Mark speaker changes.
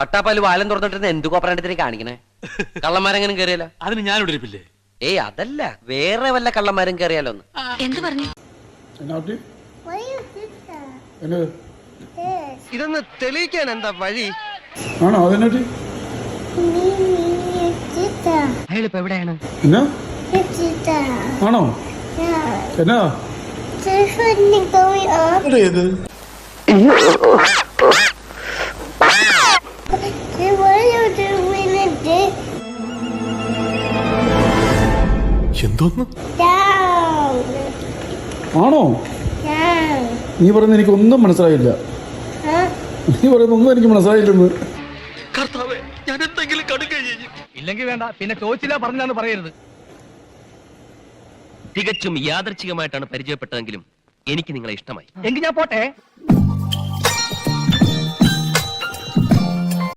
Speaker 1: പട്ടാപ്പാല് വാലം തുറന്നിട്ടിരുന്ന എന്ത് കോപ്പറാണ്ടത്തിനെ കാണിക്കണേ? കള്ളന്മാരെങ്ങനെ കയറിയാലോ?
Speaker 2: അതിന് ഞാൻ ഇവിടെ ഇരിപ്പില്ലേ?
Speaker 1: ഏയ് അതല്ല, വേറെ വല്ല കള്ളന്മാരും കയറിയാലോ ഒന്ന്.
Speaker 3: എന്ത് പറഞ്ഞു?
Speaker 1: ഇതൊന്ന് തെളിയിക്കാൻ എന്താ വഴി?
Speaker 4: ആണോ? അതിനോട്ട്
Speaker 1: അയാളിപ്പോ എവിടെയാണ്?
Speaker 4: എന്നാ ആണോ? എന്നാ ഏത്
Speaker 2: എന്തോന്ന്?
Speaker 4: ആണോ? നീ പറയുന്നത് എനിക്കൊന്നും മനസ്സിലായില്ല. നീ പറയുന്ന ഒന്നും എനിക്ക് മനസ്സിലായില്ലെന്ന്.
Speaker 2: ഞാൻ എന്തെങ്കിലും കടുക്ക
Speaker 5: ഇല്ലെങ്കിൽ വേണ്ട, പിന്നെ ചോദിച്ചില്ല പറഞ്ഞാന്ന് പറയരുത്.
Speaker 1: തികച്ചും യാദർച്ഛികമായിട്ടാണ് പരിചയപ്പെട്ടതെങ്കിലും എനിക്ക് നിങ്ങളെ ഇഷ്ടമായി.
Speaker 5: എങ്കിൽ ഞാൻ പോട്ടെ.